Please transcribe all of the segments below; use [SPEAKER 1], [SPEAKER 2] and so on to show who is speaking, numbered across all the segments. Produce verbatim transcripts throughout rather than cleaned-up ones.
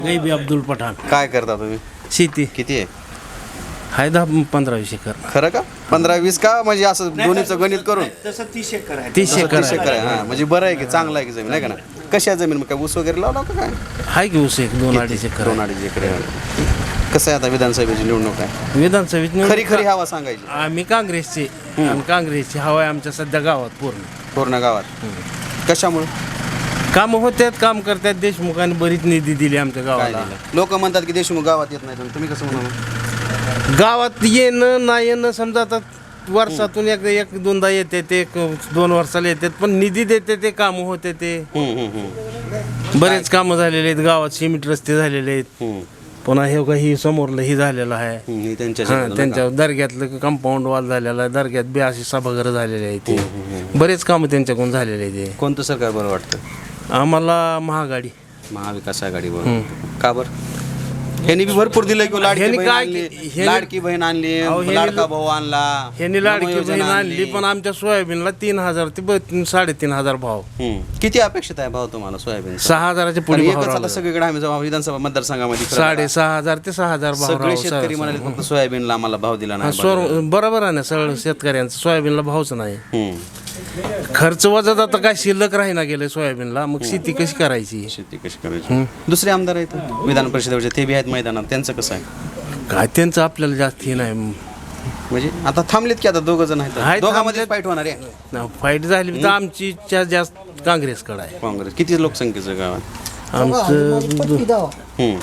[SPEAKER 1] गैबी अब्दुल पठाण.
[SPEAKER 2] काय करता तुम्ही?
[SPEAKER 1] शेती
[SPEAKER 2] किती आहे?
[SPEAKER 1] हाय दहा पंधरा वीस एकर.
[SPEAKER 2] खरं का? पंधरा वीस का म्हणजे असं दोन्हीचं गणित करून
[SPEAKER 3] तसं तीस एकर आहे.
[SPEAKER 1] तीस एकर
[SPEAKER 2] तीस एकर आहे. हा म्हणजे बरं आहे की चांगलं आहे की जमीन आहे का ना? कशा जमीन मग काय ऊस वगैरे लावला का काय?
[SPEAKER 1] हाय की ऊस एक दोन अडीच एकर
[SPEAKER 2] दोन अडीच एकर आहे. कसं आहे आता विधानसभेची निवडणूक आहे?
[SPEAKER 1] विधानसभेत निवडणूक-
[SPEAKER 2] खरी खरी हवा सांगायची
[SPEAKER 1] आम्ही काँग्रेसचे आणि काँग्रेसची हवा आहे आमच्या सध्या गावात पूर्ण.
[SPEAKER 2] पूर्ण गावात. कशामुळे?
[SPEAKER 1] कामं होत्यात, काम करतात. देशमुखांनी बरीच निधी दिली आमच्या
[SPEAKER 2] काय
[SPEAKER 1] गावाला.
[SPEAKER 2] दिलं? लोक म्हणतात की देशमुख गावात येत नाही, तुम्ही कसं म्हणा?
[SPEAKER 1] गावात येणं नाही येणं समजा आता वर्षातून एक एक दोनदा येते ते एक दोन वर्षाला येतात, पण निधी देते ते कामं होते ते.
[SPEAKER 2] हम्म, हम्म, हम्म.
[SPEAKER 1] बरेच कामं झालेले आहेत गावात. सिमेंट रस्ते झालेले आहेत.
[SPEAKER 2] हम्म,
[SPEAKER 1] पुन्हा हे काही समोरलं ही झालेलं आहे.
[SPEAKER 2] हम्म. हे त्यांच्या
[SPEAKER 1] हां,
[SPEAKER 2] शेतातून
[SPEAKER 1] त्यांच्या दर्ग्यातलं कंपाऊंड वॉल झालेलं आहे. दर्ग्यात बी अशी सभागृह झालेले आहे ते. बरेच कामं त्यांच्याकडून झालेले आहे ते.
[SPEAKER 2] का? कोणतं सरकार बरं वाटतं?
[SPEAKER 1] आम्हाला महागाडी.
[SPEAKER 2] महाविकास आघाडी बरोबर. का बरं? ह्यांनी बी भरपूर दिलं की लाडकी
[SPEAKER 1] ह्यांनी
[SPEAKER 2] बहीण
[SPEAKER 1] काय-
[SPEAKER 2] आणली,
[SPEAKER 1] ह्यांनी-
[SPEAKER 2] लाडकी बहीण आणली,
[SPEAKER 1] अहो, ह्यांनी-
[SPEAKER 2] लाडका भाऊ आणला,
[SPEAKER 1] ह्यांनी लाडकी
[SPEAKER 2] नमोयोजना
[SPEAKER 1] बहीण आणली, पण आमच्या सोयाबीनला तीन हजार ते ब- साडेतीन हजार भाव.
[SPEAKER 2] हम्म. किती अपेक्षित आहे भाव तुम्हाला सोयाबीन?
[SPEAKER 1] सहा हजाराच्या पुढे भाव
[SPEAKER 2] एकच आता
[SPEAKER 1] राहिला.
[SPEAKER 2] सगळीकडे आम्ही जेव्हा विधानसभा मतदारसंघामध्ये फिरत
[SPEAKER 1] साडे सहा हजार ते सहा हजार भाव
[SPEAKER 2] सगळे
[SPEAKER 1] राहावं.
[SPEAKER 2] शेतकरी म्हणाले फक्त सोयाबीनला आम्हाला भाव दिला
[SPEAKER 1] हा,
[SPEAKER 2] नाही.
[SPEAKER 1] स्वर बरोबर आहे ना. सगळं शेतकऱ्यांचं सोयाबीनला भावच नाही.
[SPEAKER 2] हम्म.
[SPEAKER 1] खर्च वजात आता काय शिल्लक राहीना गेलं सोयाबीनला. मग शेती कशी करायची?
[SPEAKER 2] शेती कशी करायची? दुसरे आमदार आहेत विधान परिषदेवरचे, ते बी आहेत मैदानात, त्यांचं कसं आहे?
[SPEAKER 1] काय त्यांचं आपल्याला जास्त हे नाही.
[SPEAKER 2] म्हणजे आता थांबलेत की आता दोघं जण आहेत,
[SPEAKER 1] आहेत,
[SPEAKER 2] दोघांमध्ये
[SPEAKER 1] थांबलेत.
[SPEAKER 2] फाईट होणार आहे.
[SPEAKER 1] फाईट झाली तर आमची इच्छा जास्त काँग्रेसकडे आहे.
[SPEAKER 2] काँग्रेस किती लोकसंख्येचं गाव आहे?
[SPEAKER 1] आमचं
[SPEAKER 2] हम्म.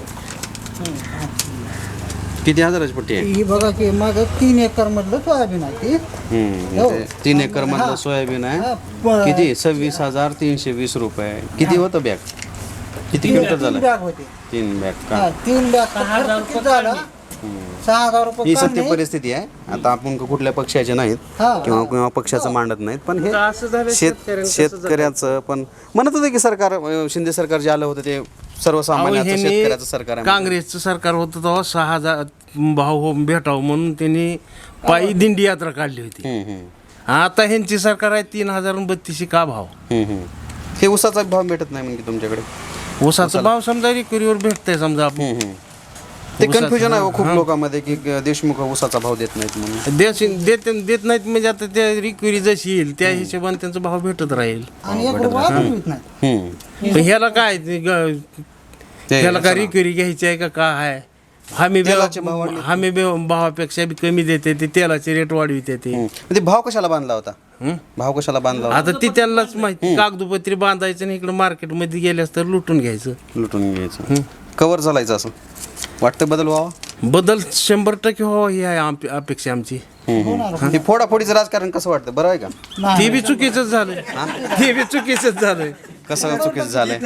[SPEAKER 2] किती हजाराची पट्टी आहे?
[SPEAKER 4] ही बघा की माझं तीन एकर मधलं सोयाबीन आहे ती.
[SPEAKER 2] हम्म.
[SPEAKER 4] हो.
[SPEAKER 2] ते तीन एकर मधलं सोयाबीन
[SPEAKER 4] हा,
[SPEAKER 2] आहे.
[SPEAKER 4] प-
[SPEAKER 2] किती? सव्वीस हजार तीनशे वीस रुपये. किती होतं बॅग? किती क्विंटल
[SPEAKER 4] तीन
[SPEAKER 2] झालं?
[SPEAKER 4] बॅग होते.
[SPEAKER 2] तीन बॅग
[SPEAKER 4] हा,
[SPEAKER 2] का?
[SPEAKER 4] तीन बॅग किती झालं? सहा हजार रुपये
[SPEAKER 2] ही सत्य
[SPEAKER 4] काढणे.
[SPEAKER 2] परिस्थिती आहे. आता आपण कुठल्या पक्षाचे नाहीत
[SPEAKER 4] हा.
[SPEAKER 2] किंवा किंवा पक्षाचं मांडत नाहीत, पण हे
[SPEAKER 1] असं झालं
[SPEAKER 2] शेत
[SPEAKER 1] शेतकऱ्यांचं
[SPEAKER 2] शेतकऱ्याचं पण म्हणत होतं की सरकार अं, शिंदे सरकार जे आलं होतं ते सर्वसामान्याचं
[SPEAKER 1] ह्यांनी
[SPEAKER 2] शेतकऱ्याचं सरकार आहे.
[SPEAKER 1] काँग्रेसचं सरकार होतं तेव्हा सहा हजार भाव हो भेटावं म्हणून त्यांनी पायी दिंडी यात्रा काढली होती.
[SPEAKER 2] हम्म, हम्म,
[SPEAKER 1] आता ह्यांची सरकार आहे तीन हजार बत्तीसशे का भाव.
[SPEAKER 2] हम्म, हम्म. हे उसाचा भाव भेटत नाही म्हणजे तुमच्याकडे?
[SPEAKER 1] ऊसाचा भाव समजा रिकरीवर भेटतंय समजा आपण.
[SPEAKER 2] हम्म, हम्म. ते
[SPEAKER 1] ऊसाचा-
[SPEAKER 2] कन्फ्युजन आहे हो खूप
[SPEAKER 1] हा.
[SPEAKER 2] लोकांमध्ये की देशमुख उसाचा भाव देत नाहीत म्हणून.
[SPEAKER 1] देश देत देत नाहीत म्हणजे आता त्या रिक्वेरी जशी येईल त्या हिशोबाने त्यांचा भाव भेटत राहील.
[SPEAKER 4] आणि एक रुपया बनवीत नाही.
[SPEAKER 2] हम्म.
[SPEAKER 1] पण ह्याला काय ते ग-
[SPEAKER 2] ते
[SPEAKER 1] ह्याला काय
[SPEAKER 2] असं ना.
[SPEAKER 1] रिक्वेरी घ्यायची आहे का काय आहे? हमी
[SPEAKER 2] तेलाचे भाव वाढले.
[SPEAKER 1] हमी भावापेक्षा बी कमी देते ते तेलाचे रेट वाढविते ते.
[SPEAKER 2] हम्म. ते भाव कशाला बांधला होता?
[SPEAKER 1] हं?
[SPEAKER 2] भाव कशाला बांधला होता?
[SPEAKER 1] आता ती त्यांनाच माहिती. कागदोपत्री बांधायचं आणि इकडे मार्केटमध्ये गेल्यास तर लुटून घ्यायचं.
[SPEAKER 2] लुटून घ्यायचं. कवर चालायचं असं वाटतं बदल व्हावा?
[SPEAKER 1] बदल शंभर टक्के व्हावा ही आहे आम- अपेक्षा आमची.
[SPEAKER 2] हे फोडाफोडीचं राजकारण कसं वाटतं? बरं आहे का?
[SPEAKER 4] नाही.
[SPEAKER 1] ते बी चुकीचंच झालंय. ते बी चुकीचंच झालंय.
[SPEAKER 2] कसं चुकीचं झालंय?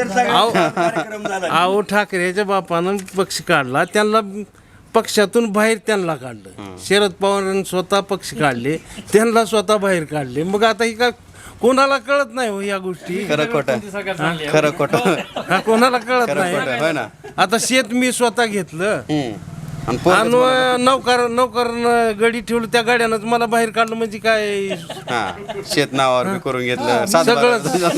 [SPEAKER 1] अहो अहो, ठाकरेच्या बापानं पक्ष काढला, त्यांना पक्षातून बाहेर त्यांना काढलं. शरद पवारांनी स्वतः पक्ष काढले, त्यांना स्वतः बाहेर काढले. मग आता ही का कोणाला कळत नाही हो या गोष्टी.
[SPEAKER 2] खरं खोटं खरं खोटं
[SPEAKER 1] हा, कोणाला कळत
[SPEAKER 2] खरं खोटं
[SPEAKER 1] नाही.
[SPEAKER 2] होय ना.
[SPEAKER 1] आता शेत मी स्वतः घेतलं
[SPEAKER 2] हम्म. आणि पोरगंच
[SPEAKER 1] आणि
[SPEAKER 2] मला-
[SPEAKER 1] नौकर नौकर गडी ठेवलं, त्या गाड्यानंच मला बाहेर काढलं म्हणजे काय.
[SPEAKER 2] हा शेत नावावर बी करून घेतलं सातबारा तुझं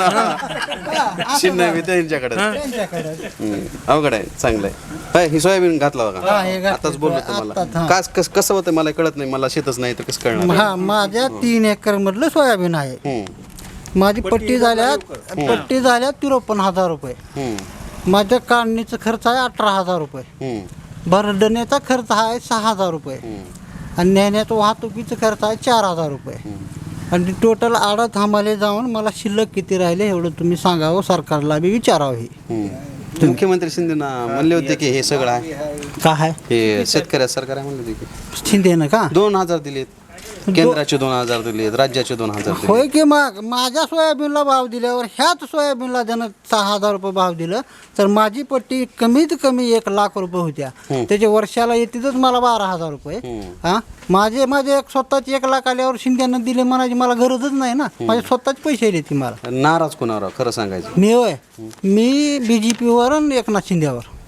[SPEAKER 2] नाव. चिन्ह बी त्यांच्याकडे.
[SPEAKER 4] त्यांच्याकडे.
[SPEAKER 2] हम्म. अवघड आहे. चांगलं आहे. होय, ही सोयाबीन घातला
[SPEAKER 4] हा,
[SPEAKER 2] बघा.
[SPEAKER 4] हे घातलं.
[SPEAKER 2] आताच बोललो
[SPEAKER 4] आता,
[SPEAKER 2] तुम्हाला
[SPEAKER 4] हा.
[SPEAKER 2] कास कस कसं होतं मला कळत नाही. मला शेतच नाही तर कसं कळणार?
[SPEAKER 4] हा माझ्या तीन एकर मधलं सोयाबीन आहे.
[SPEAKER 2] हम्म.
[SPEAKER 4] माझी पट्टी झाल्या पट्टी झाल्या त्रेपन्न हजार रुपये.
[SPEAKER 2] हम्म.
[SPEAKER 4] माझ्या काढणीचा खर्च आहे अठरा हजार रुपये.
[SPEAKER 2] हम्म.
[SPEAKER 4] भरडण्याचा खर्च आहे सहा हजार रुपये. आणि नेण्याचा वाहतुकीचा खर्च आहे चार हजार रुपये. आणि टोटल आडत हमाले जाऊन मला शिल्लक किती राहिले एवढं तुम्ही सांगावं, सरकारला बी विचारावं. हे
[SPEAKER 2] हम्म. मुख्यमंत्री शिंदे म्हणले होते की हे सगळं आहे,
[SPEAKER 4] काय
[SPEAKER 2] हे शेतकऱ्या सरकार आहे म्हणले होते की
[SPEAKER 4] शिंदेनं का
[SPEAKER 2] दोन हजार दिलेत, केंद्राचे दोन हजार दिलेत, राज्याचे दोन हजार दिलेत.
[SPEAKER 4] होय की मग माझ्या सोयाबीनला भाव दिल्यावर ह्याच सोयाबीनला त्यानं सहा हजार रुपये भाव दिलं तर माझी पट्टी कमीत कमी एक लाख रुपये होत्या. त्याच्या वर्षाला येतीतच मला बारा हजार रुपये. हा माझे माझे एक स्वतःचे एक लाख आल्यावर शिंद्यानं दिले म्हणायची मला गरजच नाही ना. माझे स्वतःच पैसे येते मला.
[SPEAKER 2] नाराज कोणावर खरं सांगायचं?
[SPEAKER 4] मी होय मी बी जे पीवर आणि एकनाथ शिंदेवर.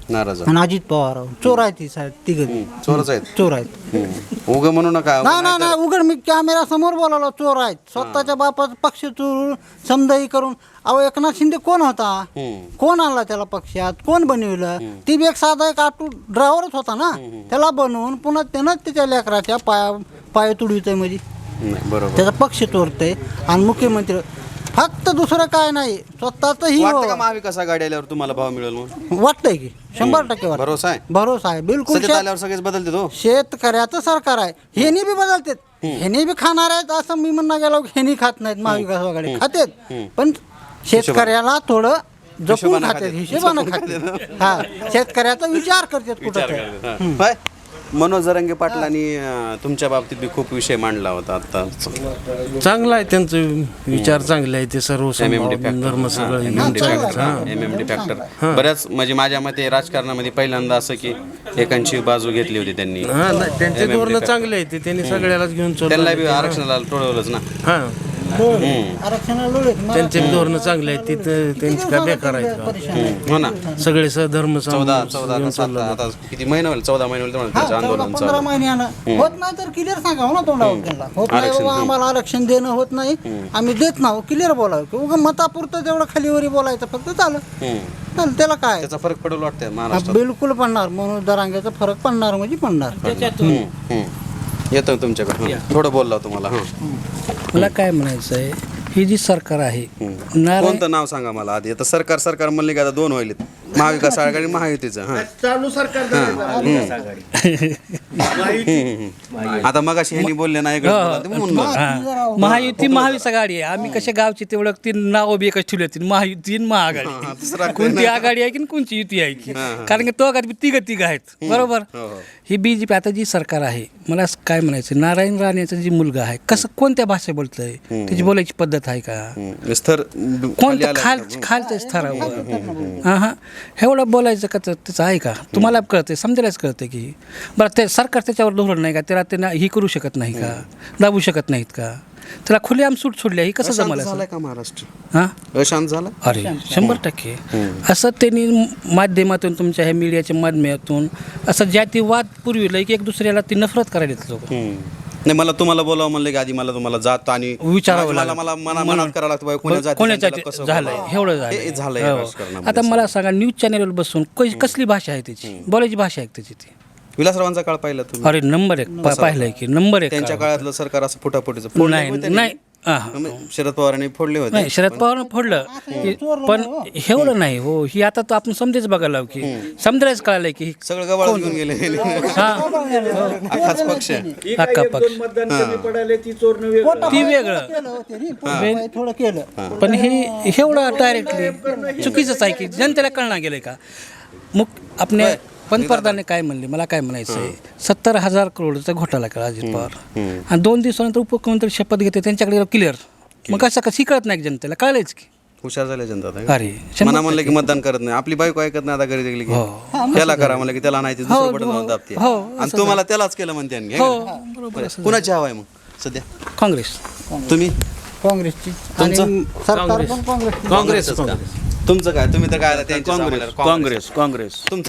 [SPEAKER 2] नाराज
[SPEAKER 4] आणि अजित पवार चोर आहेत ती साहेब तिघ
[SPEAKER 2] चोरच आहेत
[SPEAKER 4] चोर आहेत
[SPEAKER 2] उग म्हणू नका
[SPEAKER 4] नाही नाही नाही उघड मी कॅमेरा समोर बोलावला चोर आहेत स्वतःच्या बापाचा पक्ष चोरून समजाई करून अहो एकनाथ शिंदे कोण होता कोण आणला त्याला पक्षात कोण बनविलं ती बी एक साधा एक ऑटो ड्रायव्हरच होता ना त्याला बनवून पुन्हा त्यानं त्याच्या लेकराच्या पाया पाय तुडवितोय म्हणजे
[SPEAKER 2] नाही, बरोबर
[SPEAKER 4] त्याचा पक्ष चोरतोय आणि मुख्यमंत्री फक्त दुसरं काय नाही स्वतःच ही
[SPEAKER 2] वाटतं का महाविकास आघाडी आल्यावर तुम्हाला भाव मिळेल म्हणून
[SPEAKER 4] वाटतंय की शंभर टक्के वाटतं.
[SPEAKER 2] भरोसा आहे
[SPEAKER 4] भरोसा आहे बिलकुल
[SPEAKER 2] सत्तेत
[SPEAKER 4] शेत-
[SPEAKER 2] आल्यावर सगळेच बदलते तो
[SPEAKER 4] शेतकऱ्याचं सरकार आहे हेनी बी बदलतात हेनी बी खाणार आहेत असं मी म्हणणं गेलो की हेनी खात नाहीत महाविकास आघाडी खातेत पण शेतकऱ्याला थोडं जपून
[SPEAKER 2] हिशोबानं
[SPEAKER 4] खातात
[SPEAKER 2] खातात.
[SPEAKER 4] हिशोबानं खातात हा शेतकऱ्याचा विचार करतात कुठं
[SPEAKER 2] होय मनोज जरांगे पाटलांनी अं, तुमच्या बाबतीत बी खूप विषय मांडला होता आता
[SPEAKER 1] चांगला आहे त्यांचं विचार चांगले आहे ते सर्व
[SPEAKER 2] एम एम डी
[SPEAKER 1] धर्म सगळं
[SPEAKER 2] M M D factor M M D factor बऱ्याच म्हणजे माझ्या मते राजकारणामध्ये पहिल्यांदा असं की एकांची बाजू घेतली होती त्यांनी
[SPEAKER 1] हा नाही, त्यांचे धोरणं चांगले आहे ते त्यांनी सगळ्यालाच घेऊन
[SPEAKER 2] त्यांना
[SPEAKER 1] चाललं
[SPEAKER 2] बी आरक्षणाला टोळवलंच ना
[SPEAKER 1] हा
[SPEAKER 4] आरक्षणाला लोळेत. मला
[SPEAKER 1] त्यांचे बी धोरणं चांगले आहेत तिथं त्यांची काय बेकार आहेत का?
[SPEAKER 4] परेशान आहे.
[SPEAKER 2] हो ना
[SPEAKER 1] सगळे धर्म
[SPEAKER 2] चौदा चौदा का सात आता किती महिने होईल चौदा महिने होईल तेव्हा
[SPEAKER 4] हा,
[SPEAKER 2] त्यांचं
[SPEAKER 4] चौदा
[SPEAKER 2] आंदोलन
[SPEAKER 4] पंधरा
[SPEAKER 2] चालू
[SPEAKER 4] महिन्यानं होत नाही तर क्लिअर सांगावं ना तोंडावर त्यांना होत नाही बाबा आम्हाला आरक्षण देणं होत नाही आम्ही देत नाहो क्लिअर बोलावं उगा मतापुरतं तेवढं खालीवरी बोलायचं फक्त चालं
[SPEAKER 2] हम्म.
[SPEAKER 4] चालेल त्याला काय
[SPEAKER 2] त्याचा फरक पडेल वाटतंय
[SPEAKER 4] हा,
[SPEAKER 2] महाराष्ट्रात
[SPEAKER 4] बिलकुल पडणार म्हणून दरांग्याचा फरक पडणार म्हणजे पडणार
[SPEAKER 2] हम्म, हम्म. येतो तुमच्याकडे हं. थोडं बोलला तुम्हाला हं.
[SPEAKER 3] मला काय म्हणायचं आहे ही जी सरकार आहे
[SPEAKER 2] हम्म.
[SPEAKER 3] नारायण
[SPEAKER 2] कोणतं नाव सांगा मला आधी आता सरकार सरकार म्हणले की आता दोन व्हायलेत महाविकास आघाडी महायुतीचं हा
[SPEAKER 1] चालू सरकार
[SPEAKER 2] आता मग अशी ह्यांनी बोलले नाही इकडे बोला, ते म्हणून बोला.
[SPEAKER 3] हा. महायुती महाविकास आघाडी आहे आम्ही कशा गावची तेवढं ती नाव बी एकच ठेवली होती महायुती आणि
[SPEAKER 2] हा, दुसरं
[SPEAKER 3] महाआघाडी
[SPEAKER 2] काही
[SPEAKER 3] कोणती
[SPEAKER 2] नाही.
[SPEAKER 3] आघाडी आहे की आणि कोणची युती आहे की
[SPEAKER 2] हा, हा.
[SPEAKER 3] कारण की तो आघाडी तिघ तिघ आहेत बरोबर
[SPEAKER 2] हो, हो.
[SPEAKER 3] ही बीजेपी आता जी सरकार आहे मला असं काय म्हणायचं नारायण राणेचा जी मुलगा आहे कसं कोणत्या भाषेत बोलतोय त्याची बोलायची पद्धत आहे का
[SPEAKER 2] हम्म. स्तर खाली
[SPEAKER 3] कोणतं
[SPEAKER 2] आलं.
[SPEAKER 3] खाल खालच्या स्तरावर हां हां एवढं बोलायचं का तर त्याचं आहे का तुम्हाला कळते समजायलाच कळते की बरं ते सरकार त्याच्यावर धोरण नाही का त्याला त्यांना ही करू शकत नाही का दाबू शकत नाहीत का त्याला खुलेआम सूट सोडली ही कसं
[SPEAKER 2] अशांत
[SPEAKER 3] जमायला
[SPEAKER 2] झालाय का महाराष्ट्र
[SPEAKER 3] हां
[SPEAKER 2] अशांत झाला
[SPEAKER 3] अरे शंभर टक्के असं त्यांनी माध्यमातून तुमच्या ह्या मीडियाच्या माध्यमातून असं जातीवाद पुरविलं की एक दुसऱ्याला ती नफरत करायला लोक
[SPEAKER 2] नाही मला तुम्हाला बोलावं म्हणलं की आधी मला तुम्हाला जात आणि
[SPEAKER 3] विचारावं
[SPEAKER 2] मला
[SPEAKER 3] लागलं.
[SPEAKER 2] मला मना मनात करावं लागतं बाबा, कोण्या जातीचं
[SPEAKER 3] कोणाच्या
[SPEAKER 2] त्याला कसं
[SPEAKER 3] झालंय
[SPEAKER 2] बोलावं.
[SPEAKER 3] एवढं
[SPEAKER 2] हे
[SPEAKER 3] झालंय
[SPEAKER 2] झालंय
[SPEAKER 3] हो.
[SPEAKER 2] राजकारणामध्ये.
[SPEAKER 3] आता मला सांगा न्यूज चॅनलवर बसून क- कसली भाषा आहे त्याची बोलायची भाषा आहे त्याची ती
[SPEAKER 2] विलासरावांचा काळ पाहिला तुम्ही
[SPEAKER 3] अरे नंबर एक पा- पाहिलंय की नंबर एक
[SPEAKER 2] त्यांच्या
[SPEAKER 3] काळ.
[SPEAKER 2] काळातलं सरकार असं फुटाफुटीचं फोडलं
[SPEAKER 3] नाही
[SPEAKER 2] होतं त्यांनी.
[SPEAKER 3] नाही हा, हा.
[SPEAKER 2] शरद पवारांनी फोडले होते
[SPEAKER 3] नाही शरद पवारनं फोडलं पण एवढं नाही हो ही आता तो आपण समजेच बघायला की समजायच कळालंय की
[SPEAKER 2] सगळं गबाळ घेऊन गेले
[SPEAKER 3] हा
[SPEAKER 2] अखाच पक्ष
[SPEAKER 3] अख्खा पक्ष ती वेगळं
[SPEAKER 4] थोडं केलं
[SPEAKER 3] पण हे एवढं डायरेक्टली चुकीचंच आहे की जनतेला कळणार गेलंय का मुक आपल्या पंतप्रधानाने काय म्हणले मला काय म्हणायचं आहे सत्तर हजार करोडचा घोटाळा केला अजित पवार आणि दोन दिवसानंतर उपमुख्यमंत्री शपथ घेते त्यांच्याकडे क्लिअर मग कसं कसं कळत नाही की जनतेला कळायच की
[SPEAKER 2] हुशार झाले जनता आता.
[SPEAKER 3] अरे शंभर
[SPEAKER 2] मना म्हणलं की मतदान करत नाही आपली बायको ऐकत नाही आता घरी गेली की त्याला करा म्हणलं की त्याला नाही ते दुसरं बटन लावून दाबते
[SPEAKER 3] हो,
[SPEAKER 2] आणि तुम्हाला त्यालाच केलं म्हणते आणि घे
[SPEAKER 3] हो
[SPEAKER 2] घरी.
[SPEAKER 3] बरोबर
[SPEAKER 2] कुणाची हवा आहे मग सध्या
[SPEAKER 3] काँग्रेस
[SPEAKER 2] तुम्ही
[SPEAKER 4] काँग्रेसची आणि सरकार पण काँग्रेसची
[SPEAKER 1] काँग्रेस
[SPEAKER 2] तुमचं काय तुम्ही तर काय आता त्यांच्या
[SPEAKER 5] काँग्रेस
[SPEAKER 2] सामान्याला
[SPEAKER 5] काँग्रेस काँग्रेस
[SPEAKER 2] तुमचं